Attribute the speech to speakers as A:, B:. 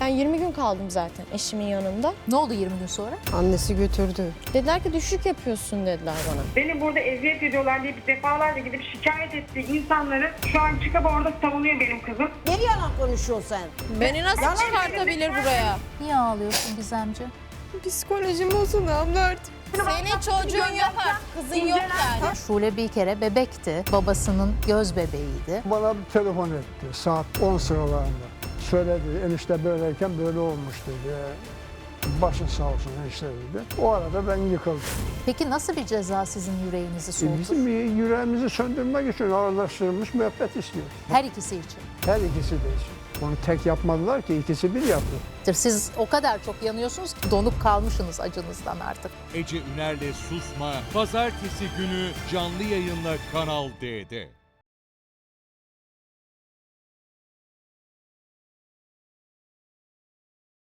A: Ben 20 gün kaldım zaten eşimin yanında.
B: Ne oldu 20 gün sonra?
C: Annesi götürdü.
A: Dediler ki düşük yapıyorsun dediler bana.
D: Beni burada eziyet ediyorlar diye defalarca gidip şikayet ettiği insanları şu an çıkıp orada savunuyor benim kızım.
C: Ne yalan konuşuyorsun sen?
A: Beni nasıl çıkartabilir buraya?
B: Niye ağlıyorsun Gizemci?
C: Psikolojim bozuldu abla artık.
A: Senin çocuğun yok artık, kızın yok yani.
B: Şule bir kere bebekti. Babasının göz bebeğiydi.
E: Bana bir telefon etti saat 10 sıralarında. Söyledi enişte böyleyken böyle olmuş dedi. Başın sağ olsun enişte dedi. O arada ben yıkıldım.
B: Peki nasıl bir ceza sizin yüreğinizi soğutur?
E: Bizim yüreğimizi söndürmek için ağırlaştırılmış müebbet istiyoruz.
B: Her ikisi için.
E: Her ikisi de için. Onu tek yapmadılar ki ikisi bir yaptı.
B: Siz o kadar çok yanıyorsunuz ki donup kalmışsınız acınızdan artık.
F: Ece Üner'le Susma, pazartesi günü canlı yayınla Kanal D'de.